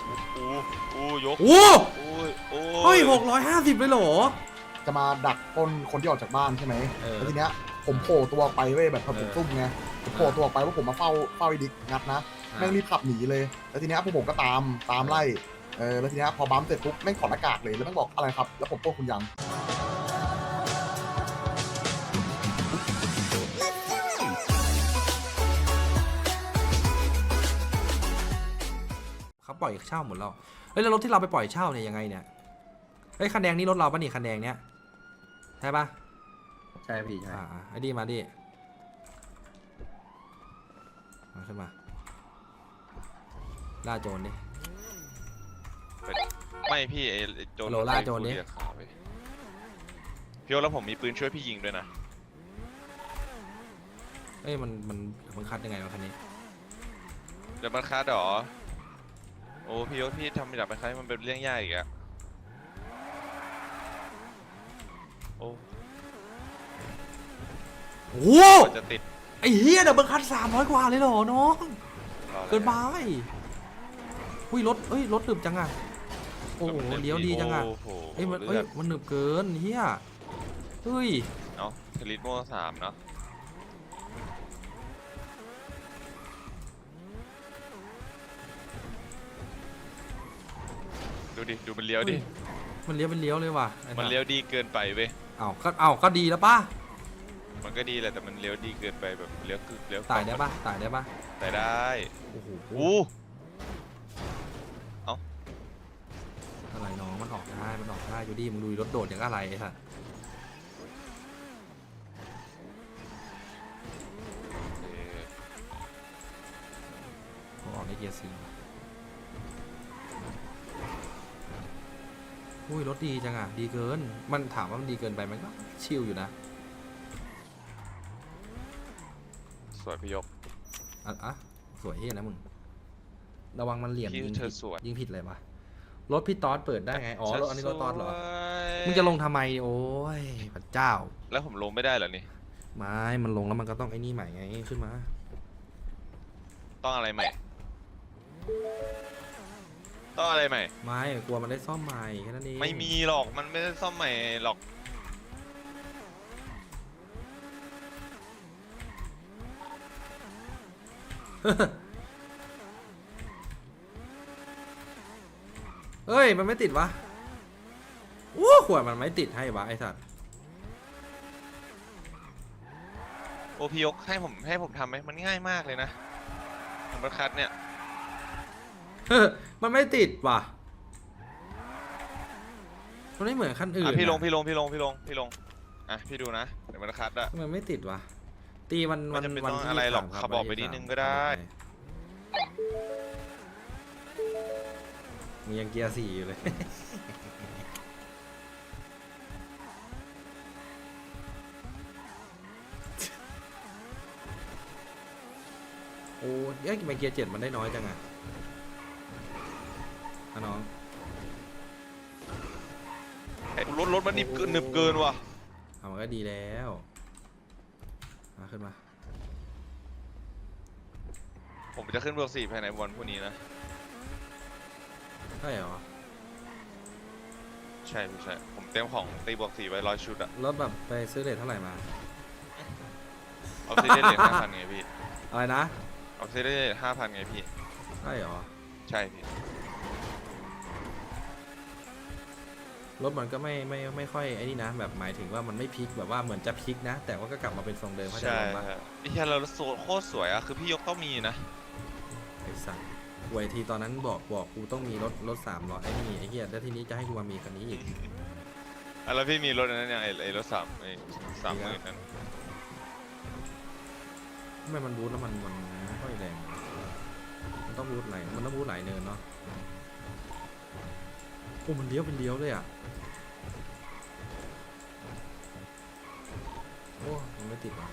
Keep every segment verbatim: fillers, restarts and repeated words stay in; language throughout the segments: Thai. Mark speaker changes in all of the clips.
Speaker 1: อู้อู้ยก
Speaker 2: โอ้
Speaker 1: โอ้ยโอ้
Speaker 2: เฮ้ยหกร้อยห้าสิบเลยเหรอ
Speaker 3: จะมาดักปล้นคนที่ออกจากบ้านใช่ไหม
Speaker 2: เออ
Speaker 3: แล้วทีเนี้ยผมโผล่ตัวไปเว้ยแบบผม
Speaker 2: เออ
Speaker 3: ซุ่มไงผมโผล่ตัวออกไปว่าผมมาเฝ้าเฝ้าไอ้ดิกงัดนะแม่งรีบขับหนีเลยแล้วทีเนี้ยพวกผมก็ตามตามไล่เออแล้วทีเนี้ยพอบัมเสร็จปุ๊บแม่งถอดหน้ากากเลยแล้วแม่งบอกอะไรครับแล้วผมปล้นคุณยัง
Speaker 2: เขาปล่อยเช่าหมดแล้วเฮ้ยแล้วรถที่เราไปปล่อยเช่าเนี่ยยังไงเนี่ยเฮ้ยคันแดงนี่รถเราปะนี่คันแดงเนี้ยใช่ปะ
Speaker 4: ใช่พี่ใช่
Speaker 2: อ่าไอ้ดีมาดิมาขึ้นมาล่าโจรดิ
Speaker 1: ไม่พี่ไอ้โจร
Speaker 2: โลล่าโจรดิ
Speaker 1: เรียกขาไปพี่โอแล้วผมมีปืนช่วยพี่ยิงด้วยนะ
Speaker 2: เอ้ยมันมันมันคัดยังไงวะคันนี้
Speaker 1: เดี๋ยวมันคัดหรอโอ้พี่โอพี่ทำแบบมันคัดมันเป็นเรื่องยากอีกอะโอ้
Speaker 2: โอ้
Speaker 1: กว่าจะติด
Speaker 2: ไอ้เฮียเดี๋ยวมันคัดสามร้อยกว่าเลยเหรอน้อง
Speaker 1: รออะไร
Speaker 2: เกินไปอุ้ยรถเอ้ยรถหนึบจังอะโอ้โห
Speaker 1: มัน
Speaker 2: เลี้ยวดีจังอะ
Speaker 1: โอ้โห
Speaker 2: เอ้ยมันเอ้ย
Speaker 1: เลือด
Speaker 2: มันหนึบเกินเฮียเฮ้ย
Speaker 1: เนาะทลิตโม่สามเนาะดูดิดูมันเลี้ยวดิ
Speaker 2: มันเลี้ยวเป็นเลี้ยวเลยว่ะไอ้
Speaker 1: มัน
Speaker 2: สัส
Speaker 1: เลี้ยวดีเกินไปเว้ย
Speaker 2: เอ้าก็เอ้าก็ดีแล้วป่ะ
Speaker 1: มันก็ดีแหละแต่มันเลี้ยวดีเกินไปแบบเลี้ยวคือเลี้ยว
Speaker 2: ตายได้ป่ะตายได้ป่ะ
Speaker 1: ตายได้
Speaker 2: โอ้โห
Speaker 1: อู้
Speaker 2: อะไรน้องมันออกได้มันออกได้อยู่ดีมึงดูรถโดดอย่างอะไรไอ้สัส
Speaker 1: เออ
Speaker 2: เขาออกในเกียร์สี่อุ้ยรถดีจังอ่ะดีเกินมันถามว่ามันดีเกินไปมันก็ชิลอยู่นะ
Speaker 1: สวยพี่ยก
Speaker 2: อ่ะอ่ะสวยเฮียนะมึงระวังมันเหลี่ยม
Speaker 1: พี่
Speaker 2: ยิง
Speaker 1: เธ
Speaker 2: ผิ
Speaker 1: อ
Speaker 2: ด
Speaker 1: สวย
Speaker 2: ยิงผิดเลยวะรถพี่ต๊อดเปิดได้ไงอ๋อรถอันนี้รถต๊อดเหรอ
Speaker 1: สวย
Speaker 2: มึงจะลงทำไมโอ้ยพระเจ้า
Speaker 1: แล้วผมลงไม่ได้เหรอนี่
Speaker 2: ไม่มันลงแล้วมันก็ต้องไอ้นี่ใหม่ไงขึ้นมา
Speaker 1: ต้องอะไรใหม่ต้องอะไรใหม่
Speaker 2: ไม่กลัวมันได้ซ่อมใหม่แค่นั้นเอง
Speaker 1: ไม่มีหรอกมันไม่ได้ซ่อมใหม่หรอก
Speaker 2: เฮ้ยมันไม่ติดวะโอ้ขวดมันไม่ติดให้วะไอ้สัตว์
Speaker 1: โอพี่ยกให้ผมให้ผมทำไหมมันง่ายมากเลยนะผมประคัดเนี่ย
Speaker 2: มันไม่ติดว่ะมันไม่เหมือนคันอื่น
Speaker 1: อ่ะพี่ลง
Speaker 2: อะ
Speaker 1: พี่ลงพี่ลงพี่ลงพี่ลงอ่ะพี่ดูนะเดี๋ยวมันคัดอะ
Speaker 2: มันไม่ติดว่ะตีวัน
Speaker 1: ไม่
Speaker 2: วัน
Speaker 1: จำเป็น
Speaker 2: วัน
Speaker 1: ต้อง
Speaker 2: ที่
Speaker 1: อะไรหรอก
Speaker 2: สาม
Speaker 1: ขับออกไป
Speaker 2: วันที่
Speaker 1: นิดนึง
Speaker 2: สาม
Speaker 1: ก็ได้
Speaker 2: มึงยังเกียร์สี่อยู่เลย โอ้ยเอ้ยทำไมเกียร์เจ็ดมันได้น้อยจังอะอ่ะน้อง
Speaker 1: ไอ้รถรถมันหนึบเกินหนึบเกินว่ะ
Speaker 2: เอามันก็ดีแล้วมาขึ้นมา
Speaker 1: ผมจะขึ้นเบอร์สี่ภายในวันพรุ่งนี้นะ
Speaker 2: ใช่เหรอ
Speaker 1: ใช่พี่ใช่ผมเต็มของตีบวกสี่ไว้ร้อยชุดอะ
Speaker 2: รถแบบไปซื้อเลทเท่าไหร่มา
Speaker 1: เอาซีได้เลทห้าพันไงพี่
Speaker 2: อะไรนะ
Speaker 1: เอาซีได้เลทห้าพันไงพี่
Speaker 2: ใช่เหรอ
Speaker 1: ใช่พี่
Speaker 2: รถมันก็ไม่ไม่ไม่ค่อยไอ้นี่นะแบบหมายถึงว่ามันไม่พลิกแบบว่าเหมือนจะพลิกนะ แต่ว่าก็กลับมาเป็นทรงเดิมเข้าใจ
Speaker 1: ใช่
Speaker 2: ปะ
Speaker 1: ครับนี่แค่เราโซโคตรสวยอะคือพี่ยกต้องมีนะ
Speaker 2: ไอ้สัตว์หวยทีตอนนั้นบอกบอกกูต้องมีรถรถสามล้อไอ้นี่ไอ้เหี้ยแล้วทีนี้จะให้กูมามีคันนี้อีก
Speaker 1: อ่ะแล้วพี่มีรถอันนั้นยังไงไอ้รถสามไอ้สามหมื่นนั้น
Speaker 2: ทำไมมันบูทแล้วมันมันไม่ค่อยแรงมันต้องบูทไหนมันต้องบูทหลายเนินเนาะโอ้มันเลี้ยวเป็นเลี้ยวเลยอ่ะโอ้มันไม่ติดว่ะ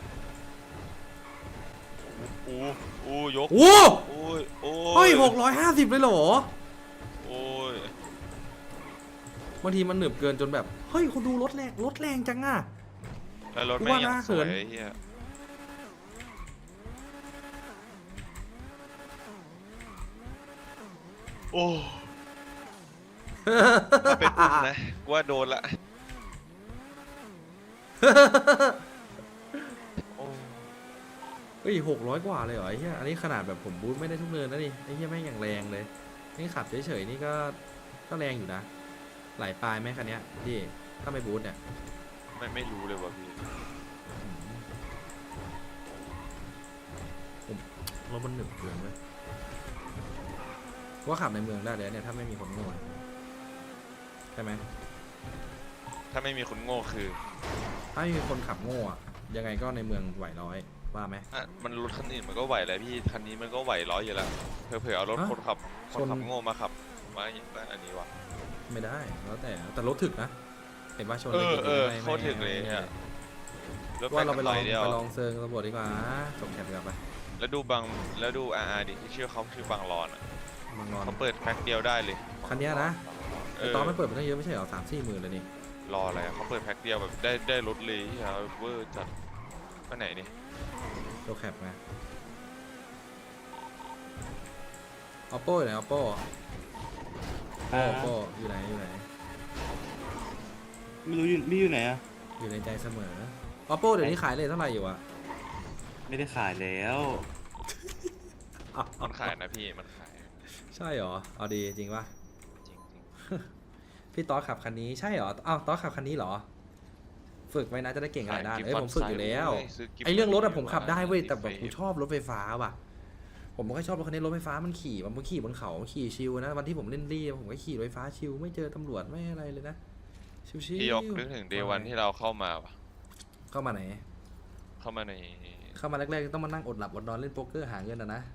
Speaker 1: อู้อู้ยก
Speaker 2: โอ้
Speaker 1: โอ้ยโอ้
Speaker 2: เฮ้ยหกร้อยห้าสิบเลยเหรอ
Speaker 1: โอ้ย
Speaker 2: บางทีมันหนึบเกินจนแบบเฮ้ยคุณดูรถแรงรถแรงจังอ่ะ
Speaker 1: แล้วรถ
Speaker 2: กู
Speaker 1: แม่ง
Speaker 2: ว่า
Speaker 1: ยั
Speaker 2: น่าง
Speaker 1: สวย
Speaker 2: เขิน
Speaker 1: ไอ้เหี้ยโอ้ถ้าเป็นอุ้มนะกูว่าโดนละโอ้
Speaker 2: เฮ้ยหกร้อยกว่าเลยเหรอไอ้เหี้ยอันนี้ขนาดแบบผมบูทไม่ได้ทุกเนินนะนี่ไอ้เหี้ยแม่งอย่างแรงเลยนี่ขับเฉยๆนี่ก็ก็แรงอยู่นะไหลปลายไหมคันเนี้ยพี่ถ้าไม่บูทเนี่ย
Speaker 1: ไม่ไม่รู้เลยว่ะพี่
Speaker 2: รถมันหนึบเกินเว้ยว่าขับในเมืองได้เลยเนี่ยถ้าไม่มีคนโง่ใช่ไหม
Speaker 1: ถ้าไม่มีคนโง่คือ
Speaker 2: ถ้าไม่มีคนขับโง่อะยังไงก็ในเมืองไหวร้อยว่าไหม
Speaker 1: อ่ะมันรถคันอื่นมันก็ไหวแหละพี่คันนี้มันก็ไหวร้อยอยู่แล้วเผื่อๆเอารถ
Speaker 2: ฮะ
Speaker 1: คนขับคนขับ
Speaker 2: ชน
Speaker 1: โง่มาขับมาอย่างนั้นอันนี้วะ
Speaker 2: ไม่ได้แล้วแต่แต่รถถึกนะเห็นว่าชน
Speaker 1: เออ
Speaker 2: ไปกี่
Speaker 1: เออ
Speaker 2: ไม่
Speaker 1: โคตรถึกเลย
Speaker 2: ไม่
Speaker 1: อะ รถ
Speaker 2: ว่าเราไปลอง
Speaker 1: เดียว
Speaker 2: ไปลองเซิร์งตำรวจดีกว่าส่งแคปกลับไป
Speaker 1: แล้วดูบางแล้วดูอาร์ดิที่ชื่อเขาชื่อบางรอนอ่ะ
Speaker 2: บางรอน
Speaker 1: เขาเปิดแพ็คเดียวได้เลย
Speaker 2: คันเนี้ยนะ
Speaker 1: เอ
Speaker 2: แต่
Speaker 1: อ
Speaker 2: ตอนไม่เปิดมันตั้งเยอะไม่ใช่เหรอสามสี่หมื่นเลยนี่
Speaker 1: รออะไรอะเขาเปิดแพ็คเดียวแบบได้ได้รถเลยที่เขาเวอร์จัดไปไหนนี่
Speaker 2: โลแคปไง oppo อยู่ไหน oppo oppo อยู่ไหนอยู่ไหน
Speaker 5: ไม่รู้อยู่พี่อยู่ไหนอะ
Speaker 2: อยู่ในใจเสมอ oppo เดี๋ยวนี้ขายเลยเท่าไหร่อยู่อะ
Speaker 5: ไม่ได้ขายแล้ว
Speaker 1: มันขายนะพี่มันขาย
Speaker 2: ใช่เหรอเอาดีจริงปะ
Speaker 1: จริง
Speaker 2: พี่ต๊อดขับคันนี้ใช่เหรออ้าวต๊อดขับคันนี้เหรอฝึกไว้นะจะได้เก่ง
Speaker 1: ๆ
Speaker 2: หลายด้าน
Speaker 1: ข
Speaker 2: เอ้ยผมฝึกอยู่แล้ว
Speaker 1: เยซื้กิฟต์
Speaker 2: ไอเรื่องรถอะผมขับได้เว้ยแต่แบบ
Speaker 1: กิฟต์
Speaker 2: ผมชอบรถไฟฟ้าว่ะผมไม่ค่อยชอบรถคันนี้รถไฟฟ้ามันขี่มันขี่บนเขาขี่ชิลนะวันที่ผมเล่นรีผมก็ขี่รถไฟฟ้าชิลไม่เจอตำรวจไม่อะไรเลยนะชิลๆ
Speaker 1: พี่ยกนึกถึงเดวันที่เราเข้ามาปะ
Speaker 2: เข้ามาไหน
Speaker 1: เข้ามาใน
Speaker 2: เข้ามาแรกๆต้องมานั่งอดหลับอดนอนเล่นโป๊กเกอร์หาเงินนะนะ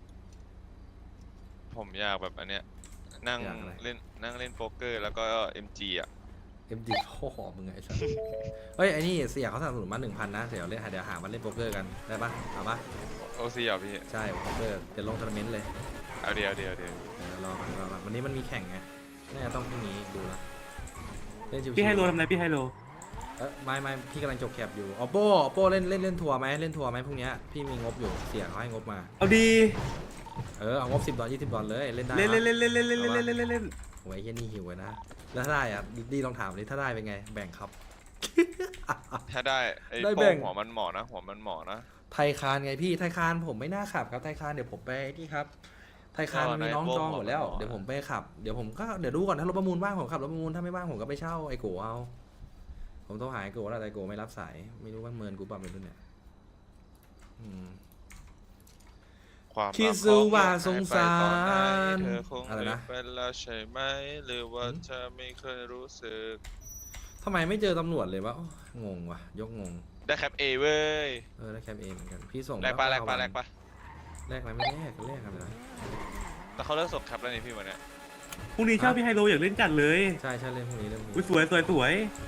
Speaker 1: ผมอยากแบบอันเนี้ยนั่ง
Speaker 2: อยากอะไร
Speaker 1: เล่นนั่งเล่นโป๊กเกอร์แล้วก็ เอ็ม จี อ่ะ
Speaker 2: เอ็มดีพ่อมึงไงไอ้สัสเฮ้ยไอ้นี่เสียเขาสนับสนุนมาหนึ่งพันนะเดี๋ยวเล่นเดี๋ยวหามาเล่นโป๊กเกอร์กันได้ปะเอาปะ
Speaker 1: โอซีอ่ะพี่
Speaker 2: ใช่โป๊กเกอร์เดี๋ยวลงทัวร์นาเมนต์เลย
Speaker 1: เอาเดียวเดียวเดียว
Speaker 2: เดี๋ยวรอกันรอกันวันนี้มันมีแข่งไงน่าจะต้องพรุ่งนี้ดูละเล่นชิวๆ
Speaker 5: พี่ไฮโลทำอะไรพี่ไฮโล
Speaker 2: เออไม่ไม่พี่กำลังจบแคปอยู่ oppo oppo เล่นเล่นเล่นทัวร์ไหมเล่นทัวร์ไหมพรุ่งนี้พี่มีงบอยู่เสียเขาให้งบมา
Speaker 5: เอาดี
Speaker 2: เออเอางบสิบดอลยี่สิบดอลเลยเล่นได้
Speaker 5: เล่น
Speaker 2: ปะ
Speaker 5: เล่นเล่นเล่นเล่นเล่นเล่นเล่นเล่นเล่น
Speaker 2: โอ้ยเฮียนี่หิวเลยนะแล้วถ้าได้อะดีลองถามเลยถ้าได้เป็นไงแบ่งครับ
Speaker 1: ถ้าได้ไอ้
Speaker 2: ได้
Speaker 1: โป้
Speaker 2: แบ่
Speaker 1: ง
Speaker 2: ง
Speaker 1: หัวมันหมอนะหัวมันหมอนะ
Speaker 2: ไทยคานไงพี่ไทยคานผมไม่น่าขับครับไทยคานเดี๋ยวผมไปนี่ครับไทยคานมันมีน้องจองหมดแล้วเดี๋ยวผมไปขับเดี๋ยวผมก็เดี๋ยวดูก่อนถ้ารถประมูลว่างผมขับรถประมูลถ้าไม่ว่างผมก็ไปเช่าไอ้โกเอาผมโทรหาไอ้โกแล้วแต่ไอ้โกไม่รับสายไม่รู้ว่าเมินกูปรับเป็นรุ่นเนี่ยอืม
Speaker 1: ความ
Speaker 2: คิด
Speaker 1: รัก
Speaker 2: ซู
Speaker 1: ของ
Speaker 2: ว่า
Speaker 1: เธอ
Speaker 2: สงสาร
Speaker 1: หายไปตอนไหนเธอคง
Speaker 2: อะไรนะ
Speaker 1: ลืมไปแล้วใช่ไหมหรือว่าเธอไม่เคยรู้สึก
Speaker 2: ทำไมไม่เจอตำรวจเลยวะโอ้งงว่ะยกงง
Speaker 1: ได้แคปเอเว้ย
Speaker 2: เออได้แคปเองเหมือนกันพี่ส่ง
Speaker 1: แลกปะ
Speaker 2: ล้ว
Speaker 1: แลกปะ
Speaker 2: วัน
Speaker 1: แลกปะ
Speaker 2: แลกอะไรไม่แลกก็แลกกันเลยนะ
Speaker 1: แต่เขาเลิกส่งแคปแล้วนี่พี่วันเนี้ย
Speaker 5: พรุ่งนี้เช่าพี่ไฮโลอยากเล่นจัดเลย
Speaker 2: ใช่ใช่เล่นพวกนี้เล่นพวก
Speaker 5: อุ้ย
Speaker 2: นี้
Speaker 5: สวยสวยสวย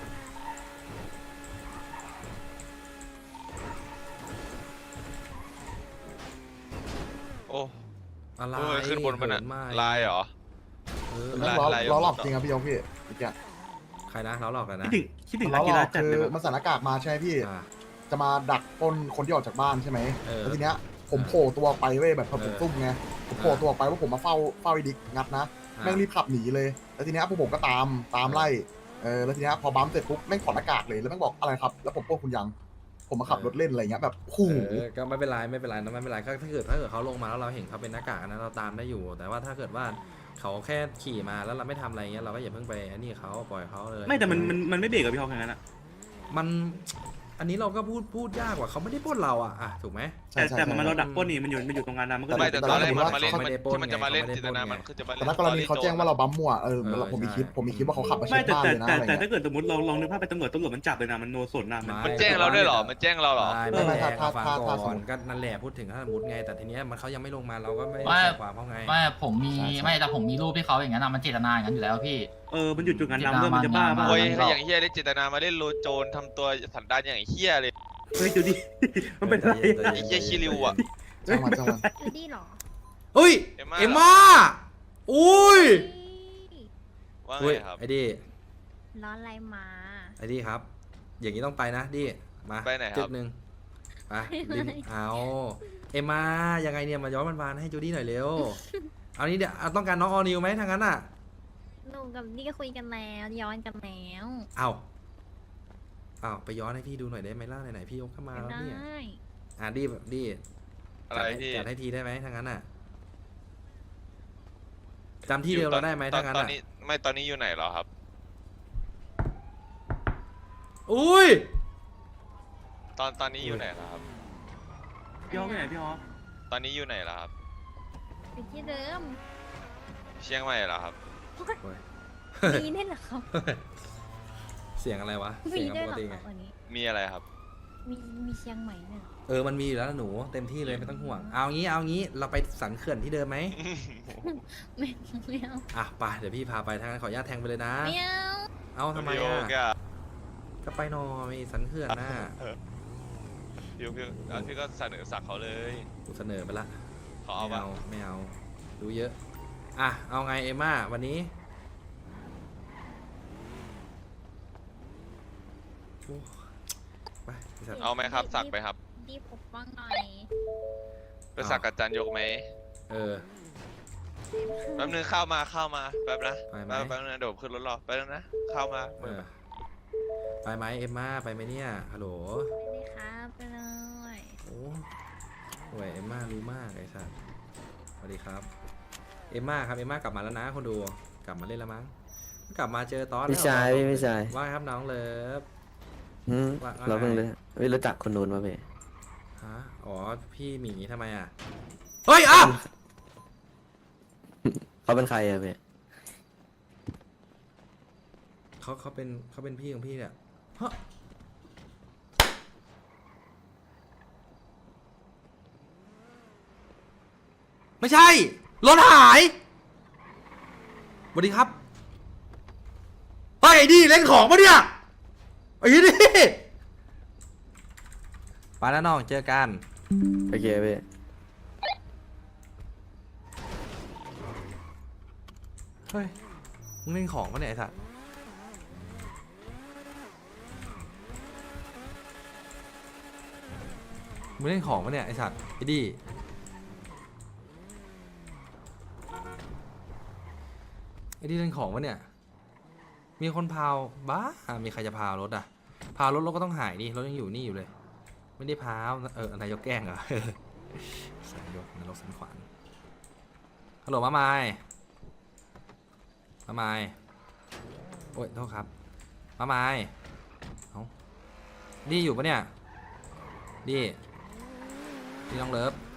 Speaker 1: โอ้
Speaker 2: อะไร
Speaker 1: เออขึ้นบนมันอะ
Speaker 2: เหิมา
Speaker 1: ลายเหรอ
Speaker 2: เออ
Speaker 3: แม่ง
Speaker 1: ลาย
Speaker 3: ล้อ
Speaker 1: ลาย
Speaker 3: ล้อหลอก
Speaker 1: ต่อ
Speaker 3: จริงครับพี่ยงพี่อีกอย่าง
Speaker 2: ใครนะเราหลอกกัน
Speaker 5: คิ
Speaker 2: นะ
Speaker 5: ดถึงคิดถึง
Speaker 3: ล้
Speaker 5: นั
Speaker 3: อก หล
Speaker 5: กี
Speaker 3: อ
Speaker 5: ฬาก จัด
Speaker 3: คื
Speaker 5: เลย
Speaker 3: อ
Speaker 5: แบบ
Speaker 3: มันใส่หน้ากากมาใช่ไหมพี่
Speaker 2: อ่า
Speaker 3: จะมาดักปล้นคนที่ออกจากบ้านใช่ไหม
Speaker 2: เออ
Speaker 3: แล้วทีเนี้ยผมโผล่ตัวออกไปเว้ยแบบผม
Speaker 2: เออ
Speaker 3: ซุ่มไงผมโผล่ตัวออกไปว่าผมมาเฝ้าเฝ้าไอ้ดิกงัดนะ
Speaker 2: อ่า
Speaker 3: แม่งรีบขับหนีเลย แล้วทีเนี้ยพวกผมก็ตามตามไล่เออแล้วทีเนี้ยพอบัมเสร็จปุ๊บแม่งถอดหน้ากากเลยแล้วแม่งบอกอะไรครับแล้วผมปล้นคุณยังผมมาขับรถเล่นอะไรเงี้ยแบบโอ้โห
Speaker 2: เออก็ไม่เป็นไรไม่เป็นไรนะไม่เป็นไรก็ถ้าเกิดถ้าเกิดเขาลงมาแล้วเราเห็นเขาเป็นหน้ากากนะเราตามได้อยู่ แต่ว่าถ้าเกิดว่าเขาแค่ขี่มาแล้วเราไม่ทำอะไรเงี้ยเราก็อย่าเพิ่งไปอันนี้เขาปล่อยเขาเลย
Speaker 5: ไม่แต่มันมันมันไม่เบรกกับพี่ฮอกอย่างนั้นอะ
Speaker 2: มันอันนี้เราก็พูดพูดยากกว่าเขาไม่ได้ปล้นเราอ่ะอ่ะถูกไหม
Speaker 5: แต่แต่มันเราดักปล้นนี่มันอยู่มันอยู่ตรงงานนั้นมันก็
Speaker 1: ไม่
Speaker 5: เลย
Speaker 1: แต่ตอนแรกมันมาเล่น
Speaker 2: เขาไม่ได้ปล้น
Speaker 1: ที่มันจะมาเล่น
Speaker 2: ไง
Speaker 1: จินตนามันคือจะมาเล่
Speaker 3: แต่
Speaker 1: น
Speaker 3: ถ้ากรณีเขาแจ้งว่าเราบัมมั่วเออ
Speaker 2: เออ
Speaker 3: ผมมีคลิป
Speaker 2: ใช่
Speaker 3: ผมมีคลิปว่าเขาขับมาเช็
Speaker 5: ไม่
Speaker 3: ค
Speaker 5: แต่
Speaker 3: บ้าน
Speaker 5: แต่
Speaker 3: เลยนะ
Speaker 5: แต่
Speaker 3: อะไร
Speaker 5: แต่
Speaker 3: เงี้ย
Speaker 5: ถ้าเกิดสมมติเราลองนึกภาพเป็นตำรวจตำรวจมันจับเลยนะมันโนสนนะมัน
Speaker 1: มันแจ้งเราด้วยเหรอมันแจ้งเราเหรอ
Speaker 2: ไม่
Speaker 3: ไม่
Speaker 2: ไม่
Speaker 3: ไม่
Speaker 2: แจ้ง
Speaker 3: ถ้า
Speaker 2: ฟัง
Speaker 3: ถ้า
Speaker 2: ก่
Speaker 3: ถ้าสม
Speaker 2: อน
Speaker 3: มุติ
Speaker 2: ก็นั่นแหละพูดถึงถ้าสมมติไงแต่ทีเนี้ยมันเขายังไม่ลงมาเราก็ไม่
Speaker 6: ไม่
Speaker 2: ใส่ความเขาไง
Speaker 6: ไม่ผมมี
Speaker 3: ใช่ใช่
Speaker 6: ไม่แต่ผมมีรูปที่เขาอย่างนั้นอะมันเจตนาอย่างนั้นอยู่แล้วพี่
Speaker 5: เออมันหยุดจุดงานนำเรื่องมันจะบ้าบ้า
Speaker 1: โอ้ย
Speaker 6: มัน
Speaker 1: ถ้าอย่างเฮียเล่นจินตนามาเล่นโลโจนทำตัวสันดานอย่างเฮียเลย
Speaker 5: เฮ้ยจูดี้มันเป็นอะไร
Speaker 1: ไอ้เฮียคิริวอ่ะ
Speaker 3: จังหวะจังหวะ
Speaker 7: จูดี้เหรอ
Speaker 2: เฮ้ย
Speaker 1: เอ็มม่า
Speaker 2: เอ็มม่าอุ้ย
Speaker 1: ว่าไง
Speaker 2: อุ้ย
Speaker 1: ครับ
Speaker 2: ไอ้ดิ
Speaker 7: ร้อนอะไรมา
Speaker 2: ไอ้ดิครับ อย่างนี้ต้องไปนะดิมา
Speaker 1: ไปไหนครับ
Speaker 2: จุดหนึ่งไปดินเอาเอ็มม่ายังไงเนี่ยมาย้อนวันวานๆให้จูดี้หน่อยเร็วเอานี้เดี๋ยวเอาต้องการน้องออนิวไหมทางนั้นอ่ะ
Speaker 7: หนูกับนี่ก็คุยกันแล้วย้อนกันแล้ว
Speaker 2: เอาเอาไปย้อนให้พี่ดูหน่อยได้ไหมล่ะไหนๆพี่ยกเข้ามาแล้ว
Speaker 7: ได้
Speaker 2: เนี่ยอ่ะดีดี
Speaker 1: อะไร
Speaker 2: จัดให้
Speaker 1: พี่
Speaker 2: จัดให้ทีได้ไหมทางนั้นอ่ะจำที่เดิมเราได้ไหม
Speaker 1: ตอ
Speaker 2: ทาน งนั้น
Speaker 1: ตอน
Speaker 2: อ่ะ
Speaker 1: นี้ไม่ตอนนี้อยู่ไหนเหรอครับ
Speaker 2: อุ้ย
Speaker 1: ตอนตอนนี้อยู่ไหนเหรอครับ
Speaker 5: พี่ออฟไปไหนพี่ออฟ
Speaker 1: ตอนนี้อยู่ไหนเหรอครับ
Speaker 7: ไปที่เดิม
Speaker 1: เชียงใหม่เหรอครับ
Speaker 2: โอ้ย
Speaker 7: มีได้เหรอครับ
Speaker 2: เสียงอะไรวะ
Speaker 7: มี
Speaker 2: เสียง
Speaker 7: ได้
Speaker 2: ป
Speaker 7: เห
Speaker 2: ก
Speaker 7: รอ
Speaker 2: ติ
Speaker 7: ค
Speaker 2: ไง
Speaker 7: รับวันนี้
Speaker 1: มีอะไรครับ
Speaker 7: มีมีเชียงใหม่เนี่ยเหรอ
Speaker 2: เออมันมีอยู่แล้วนะหนูเต็มที่เลยไม่ต้องห่วงเอางี้เอางี้เราไปสันเขื่อนที่เดิมไหม
Speaker 7: ไม่ไม่เอา
Speaker 2: อ่ะไปเดี๋ยวพี่พาไปทางนั้นขออนุญาตแทงไปเลยนะ
Speaker 7: ไม่เอา
Speaker 2: เอาทำไม
Speaker 1: พี่โอ๊
Speaker 2: อ่ะ
Speaker 1: กอะ
Speaker 2: ก็ไปหน่อยสันเขื่อนน่ะ
Speaker 1: พี่โอ๊คพี่เอาพี่ก็เสนอสักเขาเลย
Speaker 2: กูเสนอไปละ
Speaker 1: เขาเอา
Speaker 2: ไม่
Speaker 1: ปะ
Speaker 2: เอาไม่เอาดูเยอะอ่ะเอาไงเอมม่าวันนี้โอ้ไปไอ้สัตว์
Speaker 1: เอาไหมครับ สักไปครับ
Speaker 7: ดีปกป้องหน่อย
Speaker 1: ไปสักกับจันยกไหม
Speaker 2: เออ
Speaker 1: แป๊บนึงเข้ามาเข้ามาแป๊บนะ
Speaker 2: ไปไหม
Speaker 1: แป๊บแป๊บนึงนะเดี๋ยวผมขึ้นรถรอแป๊บนึงนะเข้ามา
Speaker 2: เออไปไหมเอมม่าไปไหมเนี่ยฮัลโหล
Speaker 7: ไปเลยครับไปเลย
Speaker 2: โอ้โหเอมม่ารู้มากไอ้สัตว์สวัสดีครับเอมม่าครับเอมม่ากลับมาแล้วนะคนดูกลับมาเล่นแล้วมั้งกลับมาเจอตอนแล้ว
Speaker 4: พี่ชายพี่พี่ชาย
Speaker 2: ว่าไงครับน้องเลิฟ
Speaker 4: หืม
Speaker 2: ว่าว่า
Speaker 4: เราเพิ่ง
Speaker 2: ไง
Speaker 4: เลยไม่รู้จักคนนู้นมาพี่
Speaker 2: ฮะอ๋อพี่หมีทำไมอ่ะเฮ้ยอ้าว
Speaker 4: เขาเป็นใครอะพี่
Speaker 2: เขาเขาเป็นเขาเป็นพี่ของพี่เนี่ยฮะไม่ใช่รถหายสวัสดีครับเฮ้ยไอ้ดิเล่นของปะเนี่ยไอ้ดิไปแล้วน้องเจอกัน
Speaker 4: โอเคพี่
Speaker 2: เฮ้ยมึงเล่นของปะเนี่ยไอ้สัสมึงเล่นของปะเนี่ยไอ้สัสไอ้ดิไอ้ดิเล่นของปะเนี่ยมีคนพาวบ้ามีใครจะพาวรถอ่ะพาวรถรถก็ต้องหายดิรถยังอยู่นี่อยู่เลย ไม่ได้พาวเออนายกแกล้งเหรอ สายยกนรกสันขวานฮัลโหลมาไมายมาไมายโอ้ยโทษครับมาไมายเอาดีอยู่ปะเนี่ยดีดีน้องเลิฟ